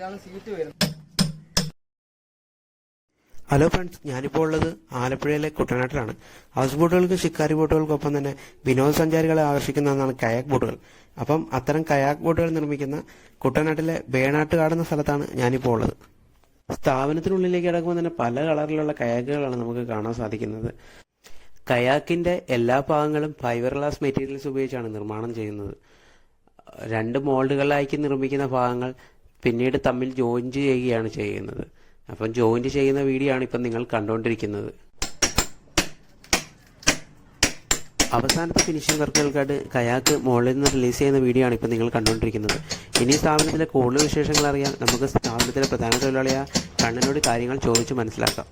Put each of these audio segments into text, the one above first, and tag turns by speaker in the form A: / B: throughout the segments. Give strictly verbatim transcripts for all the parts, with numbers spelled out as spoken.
A: ഇതാണ് സീറ്റ് വരുന്നത്.
B: Hello friends, ഞാനിപ്പോൾ ഉള്ളത് ആലപ്പുഴയിലെ കുട്ടനാട്ടിലാണ്. ഹൗസ് ബോട്ടുകൾക്കും ഷിക്കാരി ബോട്ടുകൾക്കൊപ്പം തന്നെ വിനോദസഞ്ചാരികളെ ആകർഷിക്കുന്ന ഒന്നാണ് കയാക്ക് ബോട്ടുകൾ. അപ്പം അത്തരം കയാക്ക് ബോട്ടുകൾ നിർമ്മിക്കുന്ന കുട്ടനാട്ടിലെ ബേണാട്ടുകാട് എന്ന സ്ഥലത്താണ് ഞാനിപ്പോൾ ഉള്ളത്. സ്ഥാപനത്തിനുള്ളിലേക്ക് കിടക്കുമ്പോൾ തന്നെ പല കളറിലുള്ള കയാക്കുകളാണ് നമുക്ക് കാണാൻ സാധിക്കുന്നത്. കയാക്കിന്റെ എല്ലാ ഭാഗങ്ങളും ഫൈബർ ഗ്ലാസ് മെറ്റീരിയൽസ് ഉപയോഗിച്ചാണ് നിർമ്മാണം ചെയ്യുന്നത്. രണ്ട് മോൾഡുകളിലാക്കി നിർമ്മിക്കുന്ന ഭാഗങ്ങൾ പിന്നീട് തമ്മിൽ ജോയിന്റ് ചെയ്യുകയാണ് ചെയ്യുന്നത്. അപ്പം ജോയിന്റ് ചെയ്യുന്ന വീഡിയോ ആണ് ഇപ്പം നിങ്ങൾ കണ്ടുകൊണ്ടിരിക്കുന്നത്. അവസാനത്തെ ഫിനിഷിംഗ് വർക്കുകൾക്കായിട്ട് കയാക്ക് മുകളിൽ നിന്ന് റിലീസ് ചെയ്യുന്ന വീഡിയോ ആണ് ഇപ്പം നിങ്ങൾ കണ്ടുകൊണ്ടിരിക്കുന്നത്. ഇനി സ്ഥാപനത്തിലെ കൂടുതൽ വിശേഷങ്ങൾ അറിയാൻ നമുക്ക് സ്ഥാപനത്തിലെ പ്രധാന തൊഴിലാളിയായ കണ്ണനോട് കാര്യങ്ങൾ ചോദിച്ചു മനസ്സിലാക്കാം.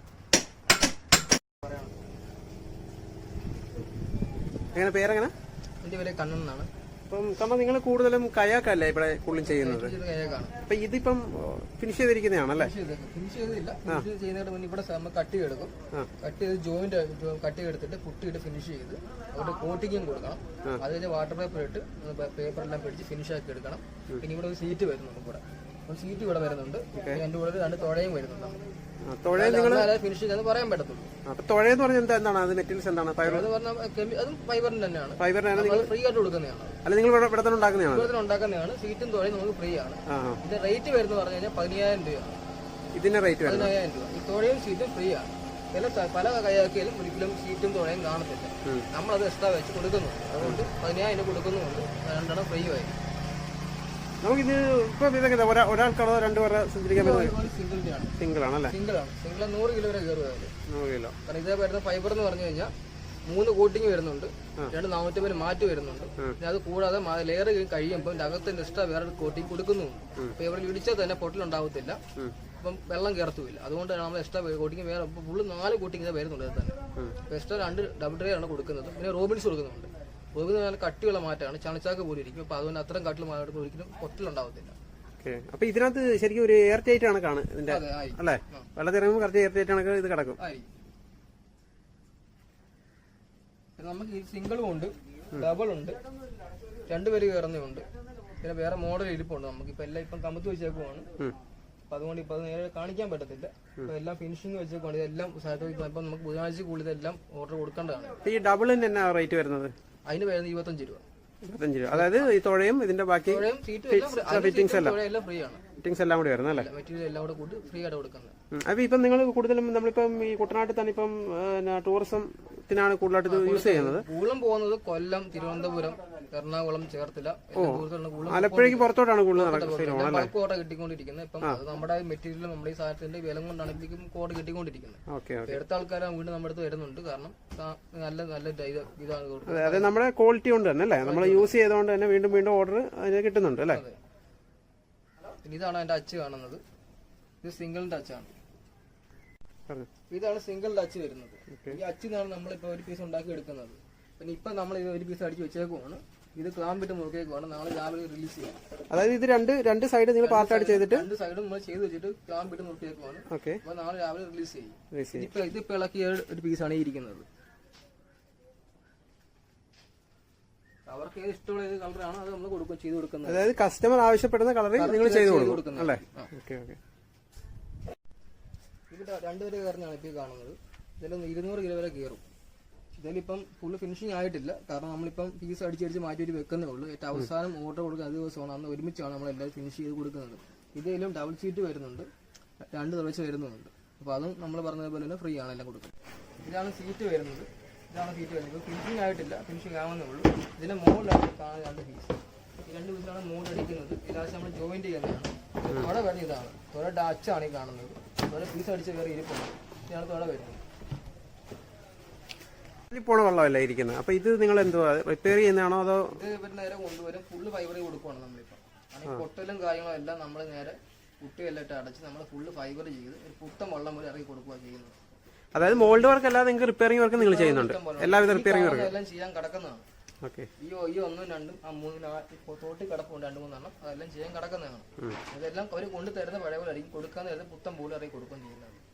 B: എങ്ങനെ പേരെങ്ങനെ?
A: എൻ്റെ പേര് കണ്ണൻ എന്നാണ്.
B: അപ്പം കണ്ണൻ, നിങ്ങൾ കൂടുതലും കയാക്കല്ലേ ഇവിടെ കൂടുതലും ചെയ്യുന്നത്? അപ്പൊ ഇതിപ്പം ഫിനിഷ് ചെയ്തിരിക്കുന്നതാണല്ലേ?
A: ഫിനിഷ് ചെയ്തില്ല. ഫിനിഷ് ചെയ്യുന്നതിന് മുന്നേ ഇവിടെ കട്ട് ചെയ്തെടുക്കും. കട്ട് ചെയ്ത് ജോയിന്റ് കട്ട് ചെയ്തെടുത്തിട്ട് പുട്ടിയിട്ട് ഫിനിഷ് ചെയ്ത് അവിടെ കോട്ടിങ്ങും കൊടുക്കണം. അത് കഴിഞ്ഞ് വാട്ടർ പേപ്പർ ഇട്ട് പേപ്പറെല്ലാം പിടിച്ച് ഫിനിഷ് ആക്കി എടുക്കണം. പിന്നെ ഇവിടെ ഒരു സീറ്റ് വരുന്നുണ്ട്. ഇവിടെ സീറ്റ് ഇവിടെ വരുന്നുണ്ട്. എൻ്റെ കൂടെ രണ്ട് തുഴയും വരുന്നുണ്ട്. ഫിനിഷ് ചെയ്യാന്ന് പറയാൻ പറ്റത്തുള്ളൂ.
B: തുഴയെന്ന് പറഞ്ഞാൽ എന്താണ്? അത് മെറ്റീരിയൽസ് എന്താണ്?
A: അതും ഫൈബറിന്റെ തന്നെയാണ്.
B: ഫൈബറിനാണ്
A: ഫ്രീ ആയിട്ട് കൊടുക്കുന്നതാണ്.
B: അല്ല, നിങ്ങൾ ഇവിടെ തന്നെ ഉണ്ടാക്കുന്നതാണ്?
A: ഇവിടെ ഉണ്ടാക്കുന്നതാണ്. സീറ്റും തുഴയും നമുക്ക് ഫ്രീ ആണ്. ഇതിന്റെ റേറ്റ് വരുന്നത് പറഞ്ഞു കഴിഞ്ഞാൽ പതിനായിരം രൂപയാണ്.
B: ഇതിന്റെ റേറ്റ്
A: പതിനായിരം രൂപ. ഈ തുഴയും സീറ്റും ഫ്രീ ആണ്. ചില പല കയാക്കിയാലും ഒരിക്കലും സീറ്റും തുഴയും കാണത്തില്ല. നമ്മളത് എക്സ്ട്രാ വെച്ച് കൊടുക്കുന്നുണ്ട്. അതുകൊണ്ട് പതിനായിരം കൊടുക്കുന്നുണ്ട്. രണ്ടെണ്ണം ഫ്രീ ആയി.
B: നമുക്കിത് ഇപ്പൊ ഇതൊക്കെ ഒരാൾക്കാണോ രണ്ടുപേരെ സഞ്ചരിക്കാൻ പറ്റുന്നത്? സിംഗിൾ ആണല്ലേ?
A: സിംഗിൾ ആണ്. സിംഗിൾ നൂറ് കിലോ വരെ കയറുക.
B: നൂറ് കിലോ.
A: കാരണം ഇതേ വരുന്ന ഫൈബർ എന്ന് പറഞ്ഞു കഴിഞ്ഞാൽ മൂന്ന് കോട്ടിങ് വരുന്നുണ്ട്. രണ്ട് നാനൂറ്റമ്പത് മാറ്റ് വരുന്നുണ്ട്. പിന്നെ അത് കൂടാതെ ലെയർ കഴിയുമ്പോൾ അകത്തിന്റെ എക്സ്ട്രാ വേറെ കോട്ടിങ് കൊടുക്കുന്നുണ്ട്. അപ്പൊ ഇവിടെ ഇടിച്ചാൽ തന്നെ പൊട്ടലുണ്ടാവത്തില്ല. അപ്പം വെള്ളം കയറത്തുമില്ല. അതുകൊണ്ടാണ് നമ്മൾ എക്സ്ട്രാ കോട്ടിങ് വേറെ ഫുള്ള് നാല് കോട്ടിങ് ഇതേ വരുന്നുണ്ട്. അത് തന്നെ എക്സ്ട്രാ രണ്ട് ഡബിൾ ട്രേ ആണ് കൊടുക്കുന്നത്. പിന്നെ റോബിൻസ് കൊടുക്കുന്നുണ്ട്. റോബിൻ നല്ല കട്ടിയുള്ള മാറ്റാണ്. ചണച്ചാക്ക് പോലും ഇരിക്കും. അപ്പൊ അതുകൊണ്ട് അത്രയും കട്ടിൽ മാറ്റം ഒരിക്കലും പൊട്ടലുണ്ടാവത്തില്ല.
B: അപ്പൊ ഇതിനകത്ത് ശരിക്കും ഒരു എയർ ടൈറ്റ് ആണ് കാണുന്നത് ഇതിന്റെ അല്ലേ? വെള്ളത്തിൽ ഇറങ്ങുമ്പോൾ കറക്റ്റ് എയർ ടൈറ്റ് ആണ് ഇത് കിടക്കും.
A: നമുക്ക് ഈ സിംഗിളും ഉണ്ട്, ഡബിൾ ഉണ്ട്, രണ്ടുപേര് കയറുന്നുണ്ട്. പിന്നെ വേറെ മോഡൽ ഇരിപ്പുണ്ട്. നമുക്ക് ഇപ്പൊ എല്ലാം ഇപ്പം കമ്പത്ത് വെച്ചേക്കുവാണ്. അപ്പൊ അതുകൊണ്ട് ഇപ്പൊ അത് നേരെ കാണിക്കാൻ പറ്റത്തില്ല. ഇപ്പൊ എല്ലാം ഫിനിഷിംഗ് വെച്ചേക്കുവാണ്. ഇതെല്ലാം ഇപ്പൊ നമുക്ക് ബുധനാഴ്ച കൂടുതൽ എല്ലാം ഓർഡർ കൊടുക്കേണ്ടതാണ്.
B: ഈ ഡബിളിന് എന്നാ റേറ്റ് വരുന്നത്?
A: അതിന് വരുന്നത് ഇരുപത്തഞ്ച് രൂപ.
B: ഇരുപത്തഞ്ച് രൂപ. അതായത് ഈ തുഴയും ഇതിന്റെ ബാക്കി ഫിറ്റിംഗ്സ് എല്ലാം
A: ഫ്രീ ആണ്.
B: ഫിറ്റിംഗ്സ് എല്ലാം കൂടി വരുന്നത് അല്ലേ?
A: മെറ്റീരിയൽ എല്ലാം കൂടെ കൂട്ടി ഫ്രീ ആയിട്ട് കൊടുക്കുന്നത്.
B: അപ്പൊ ഇപ്പം നിങ്ങൾ കൂടുതലും നമ്മളിപ്പം ഈ കുട്ടനാട്ടിൽ തന്നെ ഇപ്പം ടൂറിസത്തിനാണ് കൂടുതലായിട്ട് യൂസ് ചെയ്യുന്നത്.
A: കൂടുതലും പോകുന്നത് കൊല്ലം, തിരുവനന്തപുരം, എറണാകുളം, ചേർത്തല,
B: ആലപ്പുഴയ്ക്ക് പുറത്തോട്ടാണ് കൂടുതൽ നടക്കുന്നത്.
A: കോട്ട കിട്ടിക്കൊണ്ടിരിക്കുന്നത്. ഇപ്പം നമ്മുടെ മെറ്റീരിയൽ നമ്മുടെ ഈ സാധനത്തിന്റെ വില കൊണ്ടാണ് ഇപ്പം കോട്ട കിട്ടിക്കൊണ്ടിരിക്കുന്നത്. എടുത്ത ആൾക്കാരെ വീണ്ടും നമ്മുടെ അടുത്ത് വരുന്നുണ്ട്. കാരണം നല്ല നല്ല ഇതാണ്.
B: അതെ, നമ്മുടെ ക്വാളിറ്റി കൊണ്ട് തന്നെ അല്ലേ? നമ്മൾ യൂസ് ചെയ്തുകൊണ്ട് തന്നെ വീണ്ടും വീണ്ടും ഓർഡർ അതിന് കിട്ടുന്നുണ്ട് അല്ലേ?
A: ഇതാണ് അതിന്റെ അച്ച് കാണുന്നത്. ഇത് സിംഗിൾ ടച്ച് ആണ്. ഇതാണ് സിംഗിൾ ടച്ച് വരുന്നത്. ഈ അച്ചിന്നാണ് നമ്മളിപ്പോ ഒരു പീസ് ഉണ്ടാക്കി എടുക്കുന്നത്. പിന്നെ ഇപ്പൊ നമ്മൾ ഇത് ഒരു പീസ് അടിച്ച് വെച്ചേക്കുവാണ്. ഇത് ക്ലാമ്പിട്ട് മുറുക്കേക്കുവാണ്. നാളെ രാവിലെ റിലീസ് ചെയ്യാം.
B: അതായത് ഇത് രണ്ട് രണ്ട് സൈഡ് നിങ്ങൾ പാർട്ടായിട്ട് ചെയ്തിട്ട്
A: രണ്ട് സൈഡും നമ്മൾ ചെയ്ത് വെച്ചിട്ട് ക്ലാമ്പിട്ട് മുറുക്കേക്കുവാണ്. അപ്പൊ നാളെ രാവിലെ റിലീസ് ചെയ്യും. ഇപ്പൊ ഇതിപ്പോ ഇളക്കിയ ഒരു പീസാണ് ഇരിക്കുന്നത്. അവർക്ക് ഏത് ഇഷ്ടമുള്ള ഏത് കളറാണ് അത് നമ്മൾ കൊടുക്കും ചെയ്ത് കൊടുക്കുന്നത്.
B: അതായത് കസ്റ്റമർ ആവശ്യപ്പെടുന്ന കളറിൽ നിങ്ങൾ ചെയ്ത് കൊടുക്കും അല്ലേ? Okay okay.
A: ഇവിടെ രണ്ടുപേര് കയറുന്നതാണ് ഇപ്പൊ കാണുന്നത്. ഇതിലൊന്ന് ഇരുന്നൂറ് കിലോ വരെ കയറും. ഇതിലിപ്പം ഫുള്ള് ഫിനിഷിംഗ് ആയിട്ടില്ല. കാരണം നമ്മളിപ്പം പീസ് അടിച്ചടിച്ച് മാറ്റി ഒരു വെക്കുന്നേ ഉള്ളൂ. ഏറ്റവും അവസാനം ഓർഡർ കൊടുക്കുന്ന അത് ദിവസമാണ്. അന്ന് ഒരുമിച്ചാണ് നമ്മളെല്ലാവരും ഫിനിഷ് ചെയ്ത് കൊടുക്കുന്നത്. ഇതിലും ഡബിൾ സീറ്റ് വരുന്നുണ്ട്, രണ്ട് തുളച്ച് വരുന്നുണ്ട്. അപ്പൊ അതും നമ്മൾ പറഞ്ഞതുപോലെ തന്നെ ഫ്രീ ആണ് എല്ലാം കൊടുക്കുന്നത്. ഇതാണ് സീറ്റ് വരുന്നത്. ഇതാണ് സീറ്റ് വരുന്നത്. ഫിനിഷിംഗ് ആയിട്ടില്ല, ഫിനിഷിംഗ് ആവുന്നേ ഉള്ളൂ. ഇതിന്റെ മോളിലാണ് കാണുന്ന രണ്ട് പീസ്. ഈ രണ്ട് പീസിലാണ് മോൾ അടിക്കുന്നത്. ലാസ്റ്റ് നമ്മൾ ജോയിന്റ് ചെയ്യുന്നതാണ്. തുഴ വരുന്നത് ഇതാണ്. തുഴ ഡാച്ചാണ് ഈ കാണുന്നത്. തുഴ പീസ് അടിച്ച് കയറി ഇരിപ്പുണ്ട്. ഇതാണ് തുഴ വരുന്നത്.
B: പോണ വെള്ളമല്ല ഇരിക്കുന്നത്. അപ്പൊ ഇത് നിങ്ങൾ എന്തുവാ റിപ്പയർ ചെയ്യുന്നതാണോ അതോ?
A: ഇത് ഇവർ നേരെ കൊണ്ടുവരും. ഫുള്ള് ഫൈബർ കൊടുക്കുവാണ് നമ്മളിപ്പോ. ഈ പൊട്ടലും കാര്യങ്ങളും എല്ലാം നമ്മൾ നേരെ കുട്ടിയെല്ലാം ഇട്ട് അടച്ച് നമ്മൾ ഫുള്ള് ഫൈബർ ചെയ്ത് ഒരു പുത്തൻ വെള്ളം പോലെ ഇറക്കി കൊടുക്കുക ചെയ്യുന്നത്.
B: അതായത് മോൾഡ് വർക്ക് അല്ലാതെ നിങ്ങൾക്ക് റിപ്പയറിംഗ് വർക്ക് നിങ്ങൾ ചെയ്യുന്നുണ്ട്? എല്ലാവിധ റിപ്പയറിംഗ് വർക്ക്
A: എല്ലാം ചെയ്യാൻ കിടക്കുന്നതാണ്. ഈ ഈ ഒന്നും രണ്ടും ആ മൂന്ന് തോട്ടി കിടപ്പുണ്ട് രണ്ട് മൂന്നെണ്ണം. അതെല്ലാം ചെയ്യാൻ കിടക്കുന്നതാണ്. ഇതെല്ലാം അവർ കൊണ്ടു തരുന്ന പഴയ പോലെ ആയിരിക്കും. കൊടുക്കാൻ പുത്തൻ പോലെ ഇറക്കി കൊടുക്കുകയും ചെയ്യുന്നതാണ്.